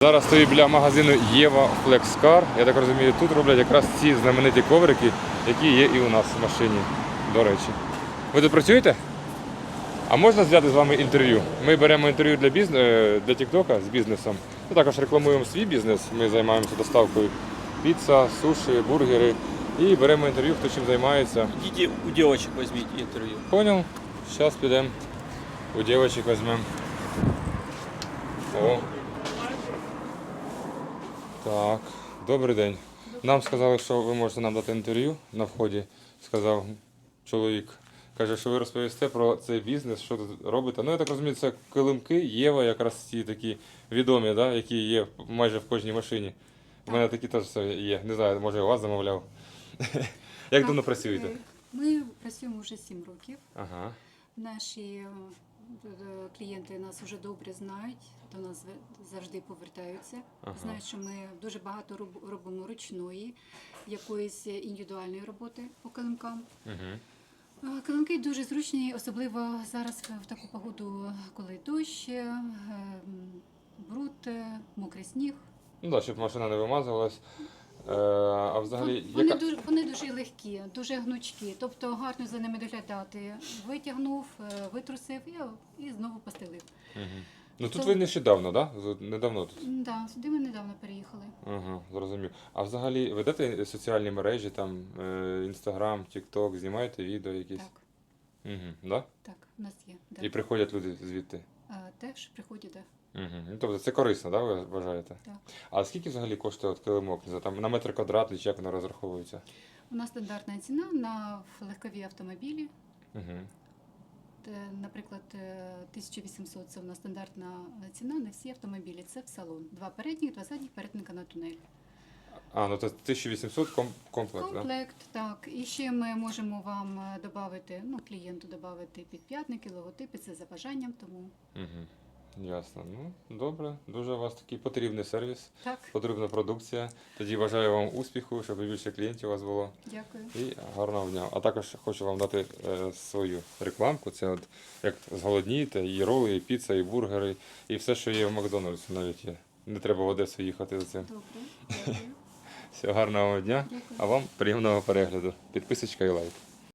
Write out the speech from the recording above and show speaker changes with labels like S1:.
S1: Зараз стою біля магазину Єва Флекскар. Я так розумію, тут роблять якраз ці знамениті коврики, які є і у нас в машині, до речі. Ви тут працюєте? А можна взяти з вами інтерв'ю? Ми беремо інтерв'ю для Тіктока з бізнесом. Ми також рекламуємо свій бізнес. Ми займаємося доставкою піца, суші, бургери. І беремо інтерв'ю, хто чим займається.
S2: Идите у девочек возьмите интервью.
S1: Понял? Зараз підемо. У дівчинок візьмемо. О. Так, добрий день. Нам сказали, що ви можете нам дати інтерв'ю на вході, сказав чоловік. Каже, що ви розповісте про цей бізнес, що тут робите. Ну, я так розумію, це килимки, Єва, якраз ці такі відомі, да, які є майже в кожній машині. У мене такі теж є. Не знаю, може, я у вас замовляв. Як давно працюєте?
S3: Ми працюємо вже 7 років.
S1: Ага.
S3: Наші клієнти нас вже добре знають, до нас завжди повертаються.
S1: Ага.
S3: Знають, що ми дуже багато робимо ручної, якоїсь індивідуальної роботи по килимкам.
S1: Угу.
S3: Килимки дуже зручні, особливо зараз в таку погоду, коли дощ, бруд, мокрий сніг.
S1: Ну так, щоб машина не вимазувалась. А взагалі,
S3: Вони дуже легкі, дуже гнучкі, тобто гарно за ними доглядати. Витягнув, витрусив і знову постелив.
S1: Угу. Ну тут ви нещодавно, так? Да? Недавно тут?
S3: Так, да, сюди ми недавно переїхали.
S1: Ага, зрозумів. А взагалі ведете соціальні мережі, там Інстаграм, Тікток, знімаєте відео якісь?
S3: Так,
S1: Угу, да?
S3: так, у нас є. Да.
S1: І приходять люди звідти?
S3: Теж приходять, так.
S1: Угу. Ну, тобто це корисно, да, ви вважаєте?
S3: Так.
S1: А скільки взагалі коштує от килимок? Не знаю, там на метр квадратний, чи як воно розраховується?
S3: У нас стандартна ціна на легкові автомобілі.
S1: Угу.
S3: Наприклад, 1800 – це у нас стандартна ціна на всі автомобілі. Це в салон. 2 передніх, 2 задніх, перетинка на тунель.
S1: А, ну то 1800 комплект, так?
S3: Комплект, так. І ще ми можемо вам додати, клієнту додати підп'ятники, логотипи, це за бажанням, тому...
S1: Угу. Ясно. Ну, добре. Дуже у вас такий потрібний сервіс,
S3: Так,
S1: потрібна продукція. Тоді бажаю вам успіху, щоб більше клієнтів у вас було.
S3: дякую.
S1: І гарного дня. А також хочу вам дати свою рекламку. Це от як зголоднієте, і роли, і піца, і бургери, і все, що є в Макдональдсі навіть є. Не треба в Одесу їхати за цим.
S3: Добре, дякую.
S1: Всього гарного дня,
S3: Дякую.
S1: а вам приємного перегляду. Підписочка і лайк.